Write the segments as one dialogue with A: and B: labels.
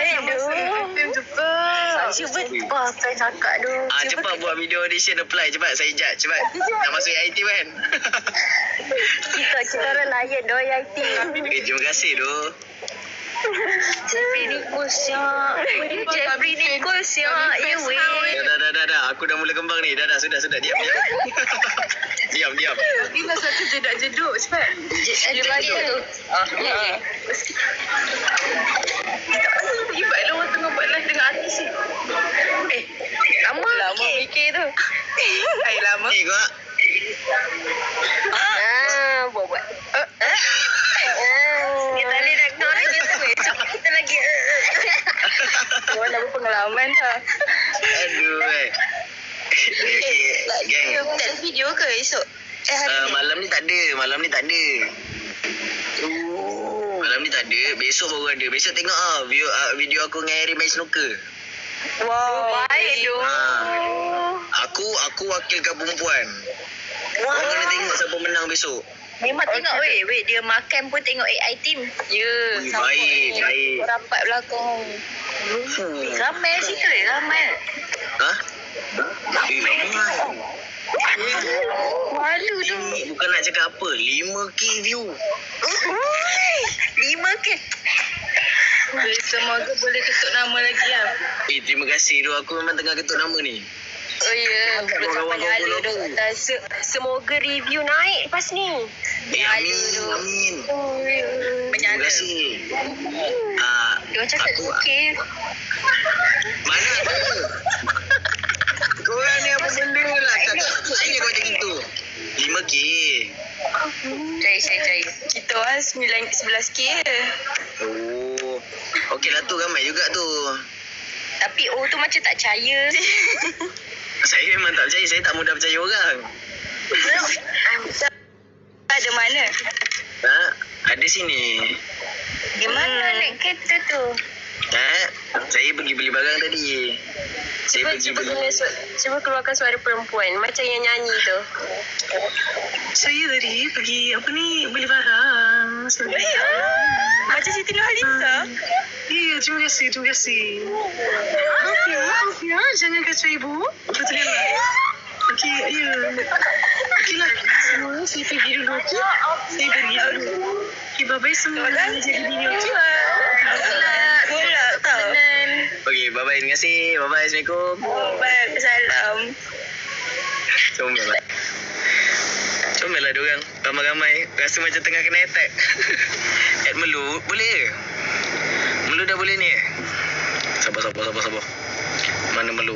A: Item cepat.
B: Cuba apa cakap tu.
C: Cepat buat video audition apply. Cepat saya judge. Cepat. Nak masuk IT kan?
B: Kita orang layan doh IT.
C: Terima kasih tu.
B: Jeffrey Nichols siap. Jeffrey Nichols siap. Ya weh.
C: Dah. Aku dah mula kembang ni. Dah. Sudah. Diam. Diam.
A: Tapi masa tu jedak jeduk. Cepat.
B: Dia bagi tu.
A: Ibatlah orang tengah buat live dengan artis ni.
B: Lama fikir tu.
A: Lama.
C: Kau.
B: Buat. Kita boleh nak kau lagi tu. Kita lagi.
A: Orang dah berpengalaman dah.
C: Aduh. Geng.
B: Tak ada video ke esok? Hari ni?
C: Malam ni tak ada. Malam ni tak ada. Besok baru ada. Besok tengok video aku dengan Harry main snooker.
B: Wow, baik tu.
C: Aku wakilkan perempuan. Kau kena tengok siapa menang besok.
B: Memang tengok weh dia makan pun tengok AI team. Ya,
C: Baik.
B: Rapat belakang. Ramai situ ramai.
C: Hah? Ramai.
B: Malu tu.
C: Bukan nak cakap apa. 5K view.
B: 5K.
A: Semoga boleh ketuk nama lagi lah.
C: Terima kasih tu. Aku memang tengah ketuk nama ni.
B: Oh ya, belum sampai nyala tu. Semoga review naik lepas ni.
C: Amin. Terima
B: Menyala.
C: kasih.
B: Dia cakap okey.
C: Mana ada? Korang ni apa benda lah. Saya kau macam itu. 5K.
B: Cari.
A: Kita orang 11K je.
C: Oh. Okey lah tu. Ramai juga tu.
B: Tapi tu macam tak percaya.
C: Saya memang tak percaya. Saya tak mudah percaya orang.
B: Ada mana?
C: Ada sini.
B: Di mana naik kereta tu?
C: Saya pergi beli barang tadi.
B: Cuba keluarkan suara perempuan macam yang nyanyi tu.
A: Saya tadi pergi beli barang.
B: Macam Siti Nurhaliza.
A: Ya, terima kasih. Maaf ya, jangan kacau ibu. Betul lah. Okey, ya. Okeylah, semua saya pergi dulu. Okey, bye-bye semua. Jadi video tu.
B: Golak tau.
C: Okey, bye-bye. Terima kasih. Bye-bye. Assalamualaikum.
B: Waalaikumsalam.
C: Comel lah diorang. Ramai-ramai. Rasa macam tengah kena attack. Add Melu. Boleh ke? Melu dah boleh ni eh? Sabar. Mana Melu?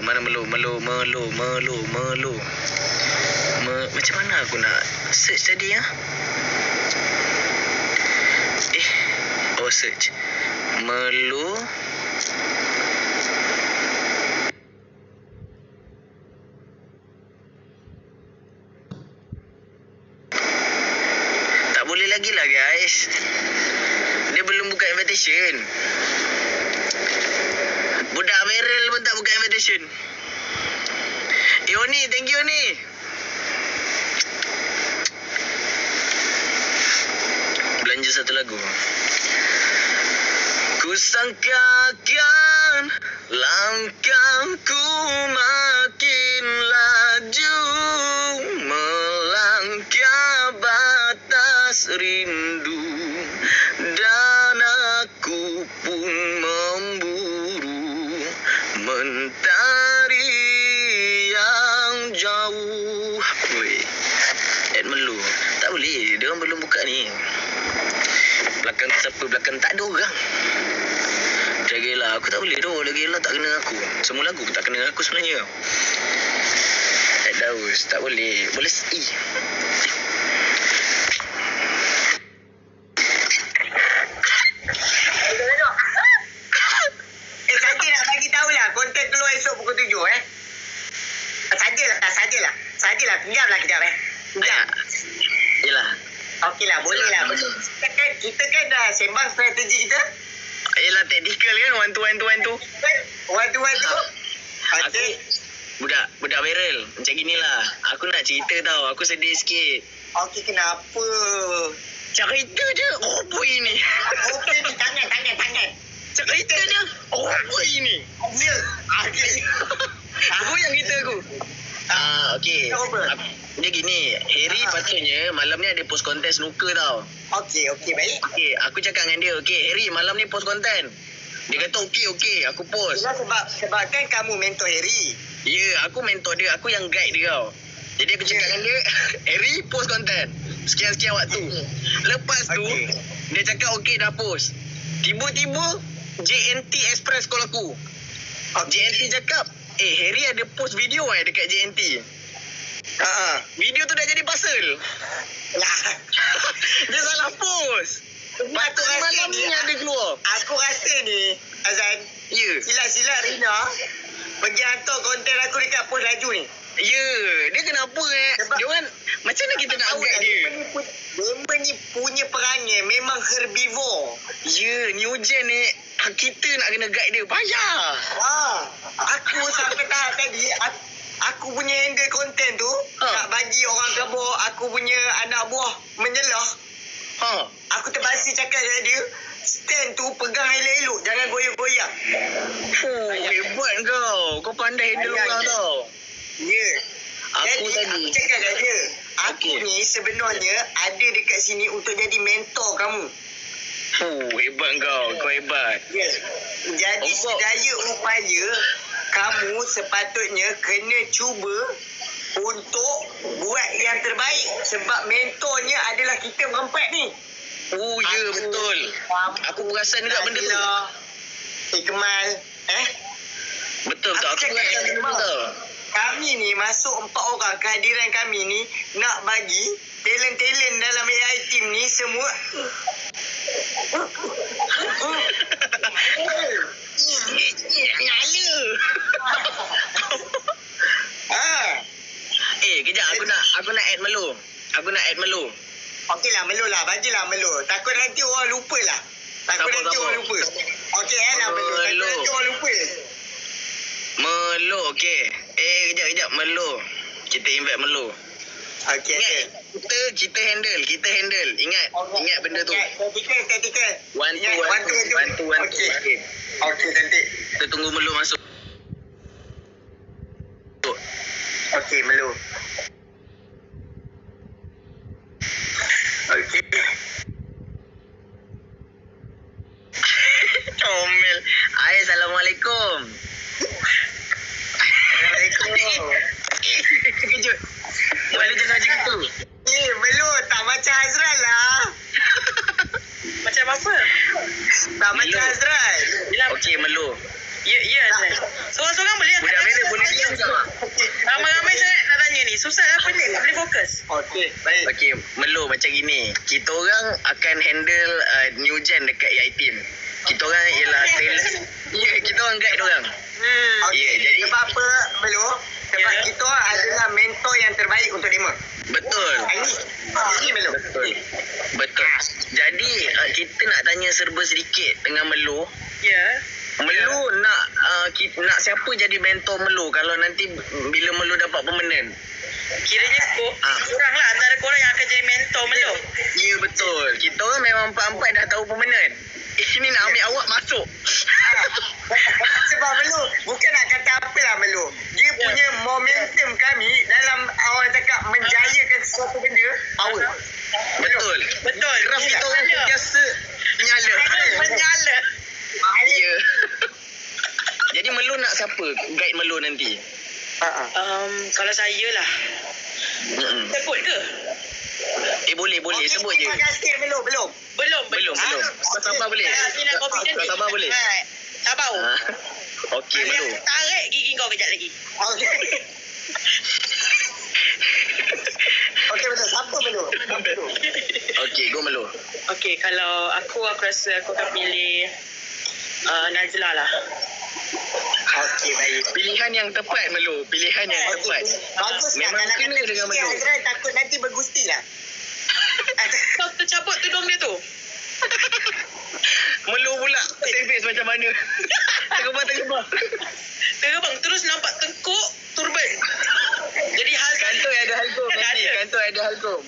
C: Macam mana aku nak search tadi ya? Search. Melu. Tak boleh lagi lah guys. Dia belum buka invitation. Budak Meryl pun tak buka invitation. Oni, thank you Oni. Belanja satu lagu. Ku sangkakan langkahku makin laju melangkah batas rindu dan aku pun memburu mentari yang jauh. Weh, Ed Melu. Tak boleh, dia orang belum buka ni. Belakang siapa? Belakang tak ada orang. Jagalah, aku tak boleh tu. Jagalah tak kena aku. Semua lagu pun tak kena aku sebenarnya. Ed Daus, tak boleh. Boleh saja nak bagi tahulah. Konten keluar esok pukul 7 Sajalah. Pinjamlah kejap Pinjam. Yelah. Okeylah, bolehlah. Kita kan dah sembang strategi kita. Yelah, tactical kan. One to one. Okey. Budak viral. Macam ginilah. Aku nak cerita tau. Aku sedih sikit. Okey, kenapa? Cerita je. Apa ini? Okey ni, tangan. Cerita dia. Oh, apa ini?
D: Ya. Okay.
C: Aku yang cerita aku. Okey.
D: Apa?
C: Dia gini, Harry patutnya malam ni ada post konten snooker tau.
D: Okey, baik.
C: Okey, aku cakap dengan dia, okey Harry malam ni post konten. Dia kata okey, aku post.
D: Yelah, sebab kan kamu mentor Harry.
C: Ya, aku mentor dia, aku yang guide dia tau. Jadi aku cakap dengan dia, Harry post konten. Sekian-sekian waktu. Lepas tu, dia cakap okey dah post. Tiba-tiba, JNT Express call aku. JNT cakap, Harry ada post video dekat JNT. Video tu dah jadi pasal.
D: Lah.
C: Dia salah post. Patutnya malam ni ada keluar.
D: Aku rasa ni, Azan,
C: Ya.
D: silat-silat Rina pergi hantar konten aku dekat post laju ni.
C: Ya. Dia kenapa
D: Sebab-
C: dia orang macam mana kita nak
D: Tahu
C: guide
D: tak,
C: dia?
D: Member ni punya perangai memang herbivore.
C: Ya, new gen ni kita nak kena guide dia. Payah.
D: Aku sampai tahap tadi aku punya handle konten tu nak bagi orang kabur aku punya anak buah menyelah. Aku terpaksa cakap dengan dia, stand tu pegang elok-elok, jangan goyak-goyak.
C: Hebat kau. Kau pandai handle orang tau.
D: Ya.
C: Aku
D: Jadi,
C: tadi.
D: aku cakap dengan dia, aku
C: Okey.
D: ni sebenarnya ada dekat sini untuk jadi mentor kamu.
C: Hebat kau. Kau hebat.
D: Ya. Jadi
C: Oh, kau-
D: sedaya upaya kamu sepatutnya kena cuba untuk buat yang terbaik sebab mentornya adalah kita berempat ni.
C: Ya betul. Aku perasan juga benda tu.
D: Ikmal,
C: Betul tak? Aku
D: cakap
C: perasan benda tu
D: Ikmal.
C: tau.
D: Kami ni masuk 4 orang, kehadiran kami ni nak bagi talent-talent dalam AI team ni semua
C: Nyala. Kejap aku nak add Melo.
D: Okeylah, Melo lah, bagilah Melo. Takut nanti orang lupa lah. Takut
C: Sabar,
D: nanti
C: sabar.
D: orang lupa. Okey lah Melo. Takut
C: Melo.
D: nanti orang lupa.
C: Melo, okey. Kejap Melo. Kita invite Melo.
D: Okey.
C: Kita handle. Ingat benda tu.
D: Tactical.
C: One, two.
D: Okey. Okey, cantik.
C: Kita tunggu Melo masuk.
D: Okey, Melo. Okey.
C: Comel. Assalamualaikum.
D: Assalamualaikum.
C: Kejut. Melo jangan macam itu.
D: Melo tak macam Azral lah.
B: Macam apa?
D: Tak
C: Melo.
D: macam Azral.
C: Okey Melo.
B: Ya, Azlan. Seorang-seorang boleh
C: Budak Melo boleh diam tak?
B: Ramai-ramai sangat nak tanya ni. Susah lah apa ni? Tak boleh fokus.
D: Okey, baik.
C: Okey, Melo macam gini. Kita orang akan handle new gen dekat AI team. Kita orang ialah talent. Ya, kita orang guide orang.
D: Okey,
C: Ya, jadi-
D: sebab apa, Melo? Sebab
B: Ya.
D: kita adalah mentor yang terbaik untuk Dema.
C: Betul.
D: Ini Melo.
C: Betul. Jadi kita nak tanya serba sedikit dengan Melo.
B: Ya.
C: Melo nak siapa jadi mentor Melo kalau nanti bila Melo dapat permanent?
B: Kiranya korang lah antara korang yang akan jadi mentor Melo.
C: Ya betul. Kita orang memang empat-empat dah tahu permanent. Ini nak ambil awak masuk.
D: Sebab Melo, bukan nak kata apalah Melo. Dia punya momentum kami dalam orang cakap menjayakan sesuatu benda, power.
C: Betul.
B: Betul.
C: Graf kita orang
B: Menyala.
C: sentiasa menyala.
B: Menyala.
C: Ya. Jadi Melo nak siapa guide Melo nanti?
B: Kalau saya lah. Sebut ke?
C: Boleh sebut je.
D: Terima kasih Melo, belum.
B: Belum.
C: Kau sabar boleh?
B: Ni nak confident
C: Kau
B: ni.
C: sabar boleh?
B: Sabar.
C: Okey Melo.
B: Tarik gigi kau kejap lagi.
D: Okey. Okey Melo, siapa Melo?
C: Okey, go Melo.
B: Okey, kalau aku rasa aku akan pilih Najla lah.
D: Okey, baik.
C: Pilihan yang tepat Melo. Pilihan yang tepat.
D: Bagus lah.
C: Memang
D: Kalau
C: kena
D: kata
C: dengan
D: Gusti
C: Melo.
D: Azral takut nanti bergusti lah.
B: Kau tercabut tudung dia tu.
C: Melo pula service macam mana? Tergebah.
B: Terbang terus nampak tengkuk turban. Jadi hal
C: Kantoi ada halkom nanti.
B: Ada.
C: Kantoi ada halkom.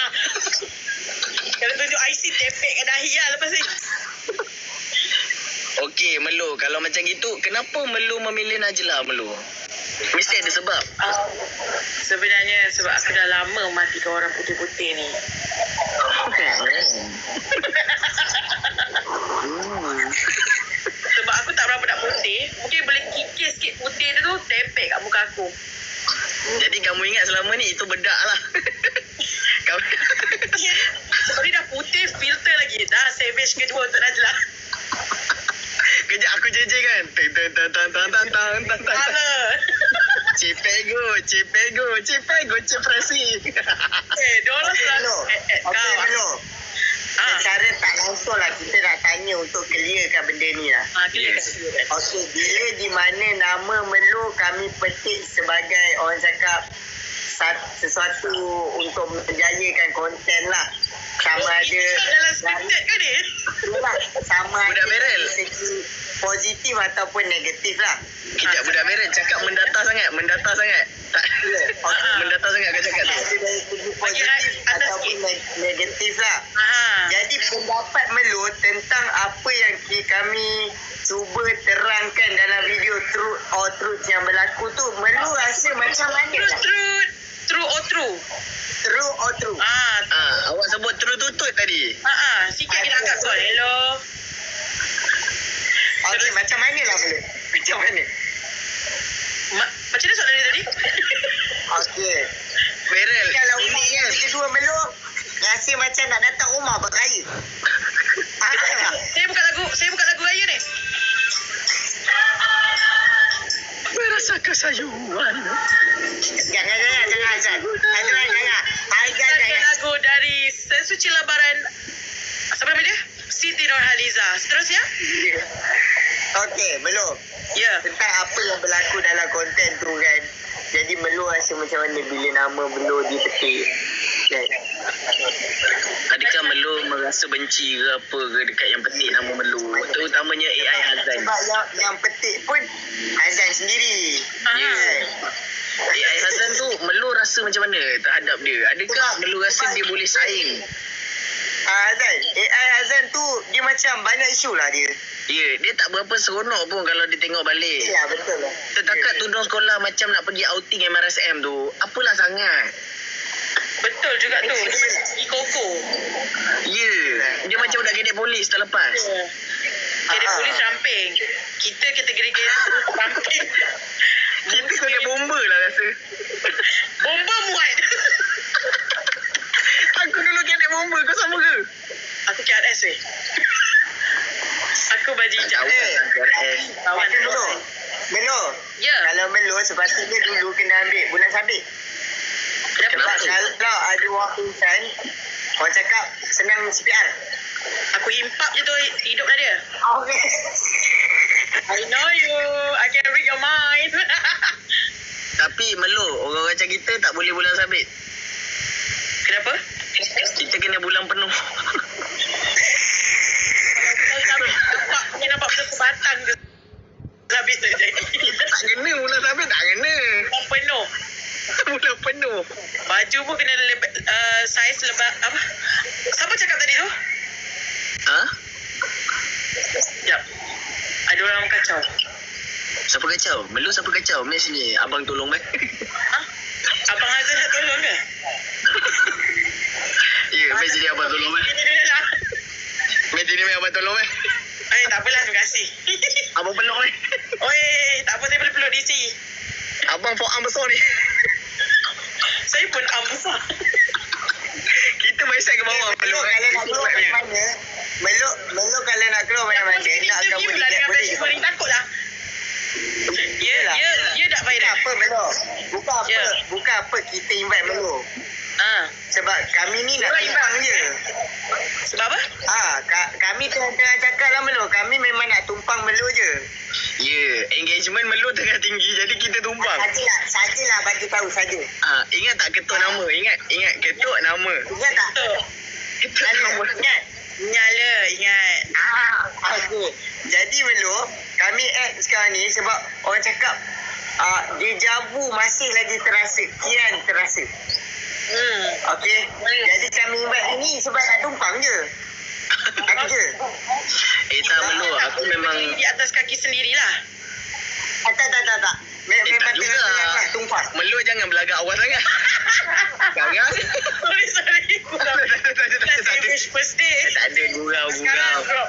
B: Kalau tunjuk IC tepek kat dahi lah lepas ni.
C: Okey, Melu, kalau macam gitu, kenapa Melu memilih Najlah, Melu? Mesti ada sebab.
A: Sebenarnya sebab aku dah lama matikan orang putih-putih ni. Sebab aku tak berapa nak putih. Mungkin boleh kikis sikit putih tu tepek kat muka aku.
C: Jadi kamu ingat selama ni itu bedak lah. Kamu...
A: Sebab ni dah putih, filter lagi. Dah savage kedua untuk Najlah.
C: Kejap aku jeje kan. Cipego, cipresi.
A: Diorang selalu
D: Okey, Melo. Secara tak langsung lah kita nak tanya untuk clearkan benda ni lah.
A: Clear.
D: Okey, bila di mana nama Melo kami petik sebagai orang cakap sesuatu untuk menjayakan konten lah. Sama ada
A: dalam scripted ke ni?
D: sama
C: Budak
D: ada
C: Merel.
D: dari segi positif ataupun negatif lah.
C: Kejap budak merah cakap mendata sangat. Tak. Mendata sangat kau cakap tu.
D: Ada dari segi positif
A: atas
D: ataupun negatif lah. Jadi pendapat Melo tentang apa yang kami cuba terangkan dalam video Truth or Truth yang berlaku tu, Melo rasa macam mana lah?
A: True or true?
D: True or true?
C: Awak sebut terus-tutut tadi.
A: Sikit kita angkat call. Hello.
D: Okey, macam mana lah Melo? Macam mana?
A: Macam mana soalan dia tadi?
D: Okey.
C: Merel,
D: Kalau
C: ini
D: umur
C: kan.
D: kedua Melo rasa macam nak datang rumah beraya.
A: Saya buka lagu raya ni.
C: Merasa kesayuan.
D: Jangan Azan.
A: Ada lagu dari Sesuci Lebaran. Siapa nama dia? Siti Nurhaliza. Seterusnya?
D: Okey, Melo.
A: Ya.
D: Tentang apa yang berlaku dalam konten tu kan. Jadi Melo rasa macam mana bila nama Melo dipetik? Kan?
C: Adakah Melu merasa benci ke apa ke dekat yang petik nama Melu? Terutamanya AI Hazan.
D: Sebab yang petik pun Azan sendiri.
C: Ya. AI Hazan tu Melu rasa macam mana terhadap dia? Adakah Melu rasa dia boleh saing?
D: Azan, AI Azan tu dia macam banyak isu lah dia.
C: Ya, dia tak berapa seronok pun kalau dia tengok balik.
D: Ya, betul lah.
C: Setakat tudung sekolah macam nak pergi outing MRSM tu, apalah sangat.
A: Betul juga tu. Dia macam pergi koko.
C: Ya, dia macam budak gedek polis terlepas.
A: Jadi polis ramping. Kita kategori ramping.
C: Kita kena bomba lah rasa.
A: Bomba muat.
C: Aku dulu gedek bomba, kau sama ke?
A: Aku KRS weh. Aku baju hijau.
D: Kawan Melo. Melo.
A: Ya.
D: Kalau Melo sepatutnya dulu kena ambil bulan sabit.
C: Kenapa
D: Sebab
C: tu?
D: kalau ada orang pingsan, orang cakap senang CPR.
A: Aku impap je tu hidup dah dia.
D: Okay.
A: I know you. I can read your mind.
C: Tapi Melu, orang macam kita tak boleh bulan sabit.
A: Kenapa?
C: Kita kena bulan penuh.
A: Nampak betul sebatang ke sabit tu jadi.
C: Tak kena bulan sabit, tak kena.
A: Penuh.
C: Bulan penuh.
A: Baju pun kena saiz lebar apa? Siapa cakap tadi tu?
C: Ha?
A: Sekejap. Ada orang kacau.
C: Siapa kacau? Melu siapa kacau? Mari sini, abang tolong mai.
A: Ha? Abang Hazan nak tolong ke?
C: Ya, mari sini abang tolong mai. Mari sini mai abang tolong mai.
A: Tak apalah, terima kasih.
C: Abang peluk mai.
A: Oi, tak apa, saya boleh peluk DC.
C: Abang forearm besar ni.
A: Saya pun arm besar.
C: Kita main set ke bawah.
D: Melo kalau nak keluar mana-mana, Melo kalau nak keluar mana-mana, nak kamu
A: lah dengan
D: boleh
A: best friend, takutlah. Ya dah
D: Bukan
A: viral.
D: apa Melo. Bukan apa.
A: Ya.
D: Bukan apa kita invite Melo. Sebab kami ni nak
A: Orang
D: tumpang je.
A: Sebab apa?
D: Kami tengah cakap lah Melo. Kami memang nak tumpang Melo je.
C: Ya, engagement Melu tengah tinggi, jadi kita tumpang.
D: Sajalah bagi tahu saja.
C: Ingat tak ketuk nama? Ingat ketuk nama.
D: Ingat tak?
A: Betul.
C: Ketuk nama.
D: Ingat.
A: Ingat.
D: Okey. Jadi Melo, kami add sekarang ni sebab orang cakap dejavu masih lagi terasa. Kian terasa. Okey. Jadi kami invite ini sebab nak tumpang je. je.
C: Tak Melu. Aku memang...
A: Di atas kaki sendirilah.
D: Tak. Memang
C: tak juga.
D: tengah tumpah.
C: Melu jangan belagak awal sangat. Sekarang.
A: Sorry. Let's wish first day.
C: Tak ada gurau.
A: Sekarang drop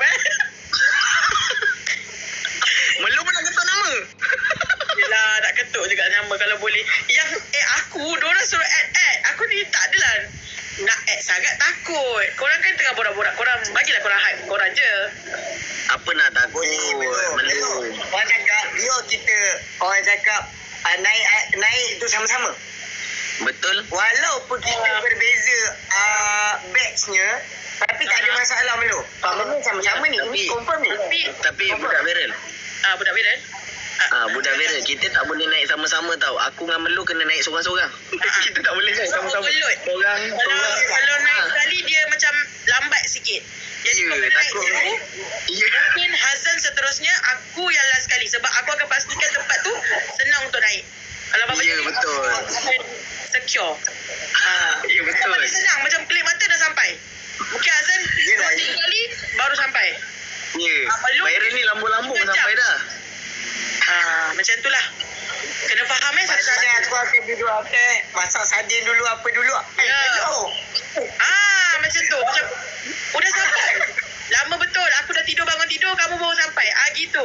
C: Melu pun nak ketuk nama.
A: Yelah, nak ketuk juga nama kalau boleh. Yang diorang suruh add. Aku ni tak adalah nak add sangat, takut. Korang kan tengah borak-borak. Korang, bagilah korang hype korang je.
C: Apa nak takut?
D: Melu. Orang cakap, orang cakap naik tu sama-sama.
C: Betul.
D: Walaupun kita berbeza batchnya, tapi tak ada masalah Melu. Melu sama-sama ni. Ini confirm ni.
C: Tapi budak viral.
A: Budak viral.
C: Budak viral. Kita tak boleh naik sama-sama tau. Aku dengan Melu kena naik sorang-sorang. Kita tak boleh naik sama-sama. Sorang.
A: Kalau naik sekali dia macam lambat sikit. Jadi kalau naik dulu, mungkin Hazan seterusnya, aku yang last sekali. Sebab aku akan pastikan tempat tu senang untuk naik. Kalau apa-apa
C: Ya, betul.
A: secure.
C: Ya, betul.
A: Paling senang, macam kelip mata dah sampai. Mungkin Hazan 2-3 kali baru sampai.
C: Ya. Viral ni lambung-lambung sampai dah.
A: Macam itulah. Kena faham
D: Masalahnya aku akan duduk masak sardin dulu apa dulu. Melu.
A: Macam tu. Macam udah sampai. Lama betul. Aku dah tidur, bangun tidur, kamu baru sampai. Gitu.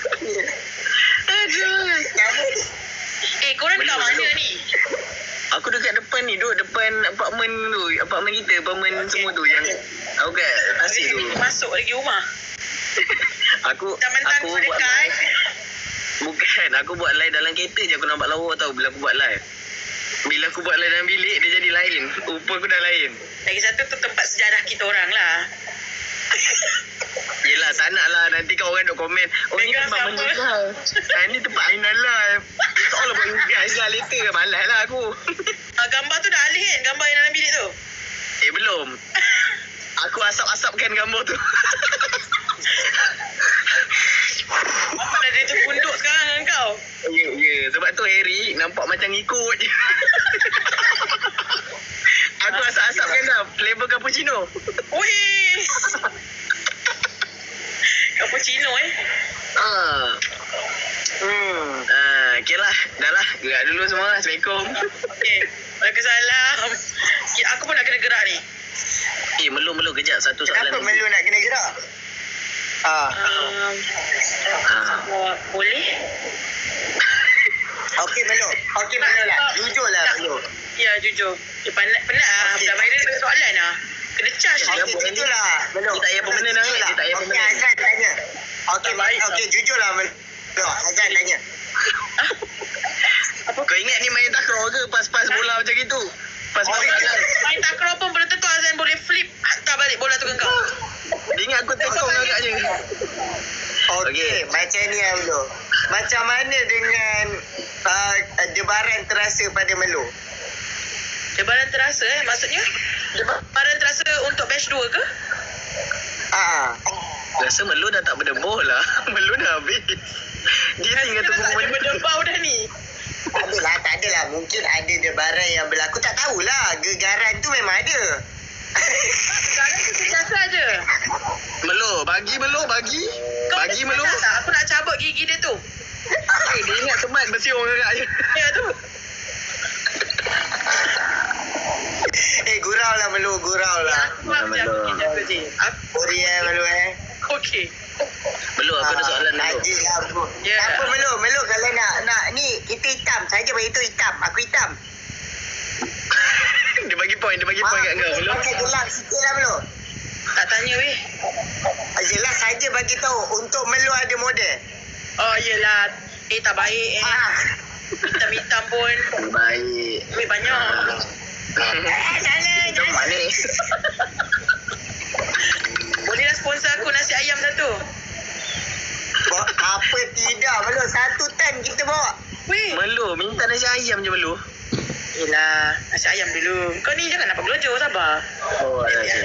C: Aduh.
A: Korang dekat mana ni?
C: Aku dekat depan ni, duduk depan apartmen tu. Apartmen kita, apartmen semua tu yang aku kat Tasik tu.
A: Masuk lagi rumah.
C: Aku
A: Mentang-mentang
C: buat
A: dekat.
C: live. Bukan, aku buat live dalam kereta je aku nampak lawa tau bila aku buat live. Bila aku buat live dalam bilik, dia jadi lain. Rupa aku dah lain.
A: Lagi satu tu tempat sejarah kita orang lah.
C: Yelah, tak nak lah. Nanti kan orang duk komen. Ni
A: Pegang
C: tempat
A: siapa?
C: meninggal. Ni tempat Aina live. It's all about you guys lah. Later malas lah aku.
A: Gambar tu dah alih kan? Gambar yang dalam bilik tu?
C: Belum. Aku asap-asapkan gambar tu.
A: Apa dah dia terpunduk sekarang dengan kau?
C: Ya. Sebab tu Harry nampak macam ikut je. Aku asap-asapkan dah. Flavor cappuccino.
A: Wih! Cappuccino
C: Okay lah. Dah lah. Gerak dulu semua. Assalamualaikum.
A: Okay. Waalaikumsalam. Aku pun nak kena gerak ni.
C: Melu kejap. Satu soalan.
D: Kenapa Melu nak kena gerak?
A: Boleh?
D: Okey Melu lah. Jujur lah Melu.
A: Ya, jujur. Penat lah. Dah viral dengan soalan lah. Kena charge ni.
D: Jujur lah Melu.
C: Dia tak payah permanent lah. Dia tak payah
D: Okey
C: permanent.
D: Azan tanya.
A: Tak baik
D: Okey jujur lah Melu. Azan tanya.
C: Kau ingat ni main takraw ke? Pas-pas bola macam gitu? Pas-pas bola.
A: Main takraw pun belum tentu Azan boleh flip hantar balik bola tu ke kau.
C: Dia ingat aku tekong agaknya.
D: Okey, macam ni lah Melu. Macam mana dengan debaran terasa pada Melu?
A: Debaran terasa maksudnya? Debaran terasa untuk batch 2 ke?
C: Rasa Melu dah tak berdebur lah. Melu dah habis. Dia tinggal tunggu
A: tak ada
C: Melu.
A: berdebau dah ni.
D: Tak adalah. Mungkin ada debaran yang berlaku. Tak tahulah. Gegaran tu memang ada.
A: Sekarang tu biasa je.
C: Melu, bagi Melu.
A: Kau
C: Bagi Melu.
A: tak? Aku nak cabut gigi dia tu.
C: Dia ingat teman bersiung agaknya.
A: Ya tu.
D: Gurau lah Melu. Gurau lah.
A: Jaga je.
D: Sorry Melu
A: Okey.
C: Melu, aku ada soalan Melu.
D: Haji lah aku.
A: Ya.
D: Apa Melu kalau nak ni kita hitam saja bagi tu hitam. Aku hitam.
C: Dia bagi point kat kau Melu.
D: Pakai gelap sikit lah Melu.
A: Tak tanya weh.
D: Jelas saja bagi tahu untuk Melu ada model.
A: Oh yelah. Tak baik Hitam-hitam pun.
C: Baik.
A: Weh banyak.
C: Itu mana?
A: Bolehlah sponsor aku nasi ayam satu.
D: Apa tidak Melu. 1 tan kita bawa.
A: Weh.
C: Melu, minta nasi ayam je Melu.
A: Yelah. Nasi ayam dulu. Kau ni jangan nampak gelojoh. Sabar.
C: Oh,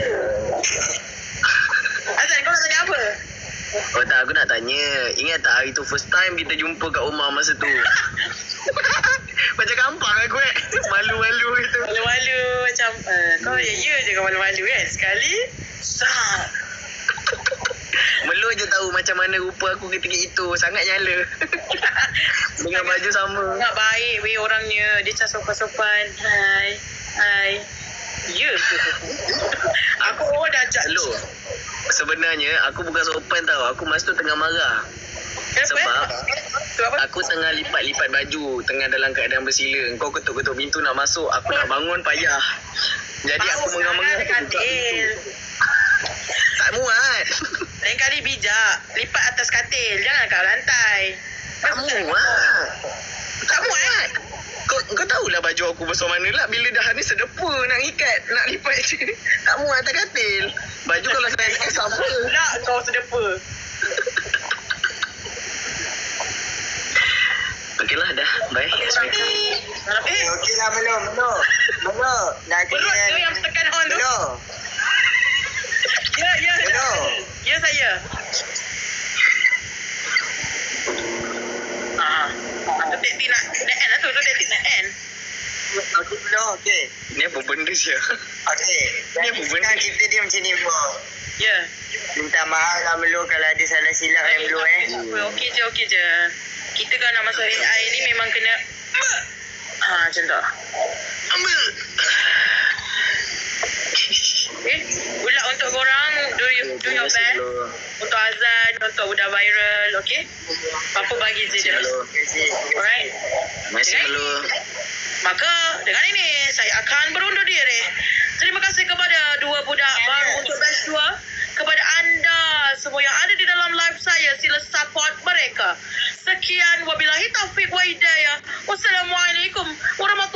A: Azan kau nak tanya apa?
C: Oh tak, aku nak tanya. Ingat tak hari tu first time kita jumpa kat rumah masa tu? Macam gampang aku malu-malu gitu.
A: Malu-malu macam kau ya je kau malu-malu kan. Sekali
C: Melu je tahu macam mana rupa aku ketika itu. Sangat nyala. Dengan baju sama.
A: Sangat baik weh orangnya. Dia macam sopan-sopan. Hai. Ya ke? Aku dah judge.
C: Hello. Sebenarnya aku bukan sopan tau. Aku masa tu tengah marah. Sebab aku tengah lipat-lipat baju, tengah dalam keadaan bersila. Kau ketuk-ketuk pintu nak masuk, aku nak bangun payah. Jadi aku mengah-mengah
A: Ada katil.
C: tak muat.
A: Lain kali bijak. Lipat atas katil. Jangan kat lantai.
C: Tak muat. Tak muat. Kau tahulah baju aku besar mana lah. Bila dah ni sedepa nak ikat, nak lipat je. Tak muat atas katil. Baju kalau saya ikat sama.
A: Pula kau sedepa.
C: Okeylah dah. Bye. Assalamualaikum.
D: Okey lah, Melo. Nak
A: Perut tu yang tekan on tu.
D: Melo.
A: Ya.
D: Hello.
A: Ya saya. Tetik nak end lah tu. Tetik nak end.
D: Okey, Melo. Okey.
C: Ni apa benda sih?
D: Okey.
C: Ni apa benda?
D: Sekarang kita dia macam ni, Melo.
A: Ya.
D: Minta maaf lah, Melo, kalau ada salah silap Melo
A: Okey je. Kita kan nak masuk AI ni memang kena macam tu.
C: Ambil.
A: Okay. Ulat untuk korang do your best. Untuk azan, untuk budak viral, okay? Papa bagi je dia. Alright.
C: Masih dulu.
A: Maka dengan ini saya akan berundur diri. Terima kasih kepada dua budak baru untuk batch 2. Kepada anda semua yang ada di dalam live saya, sila support mereka. Sekian, wabillahi taufiq wa hidayah. Wassalamualaikum warahmatullahi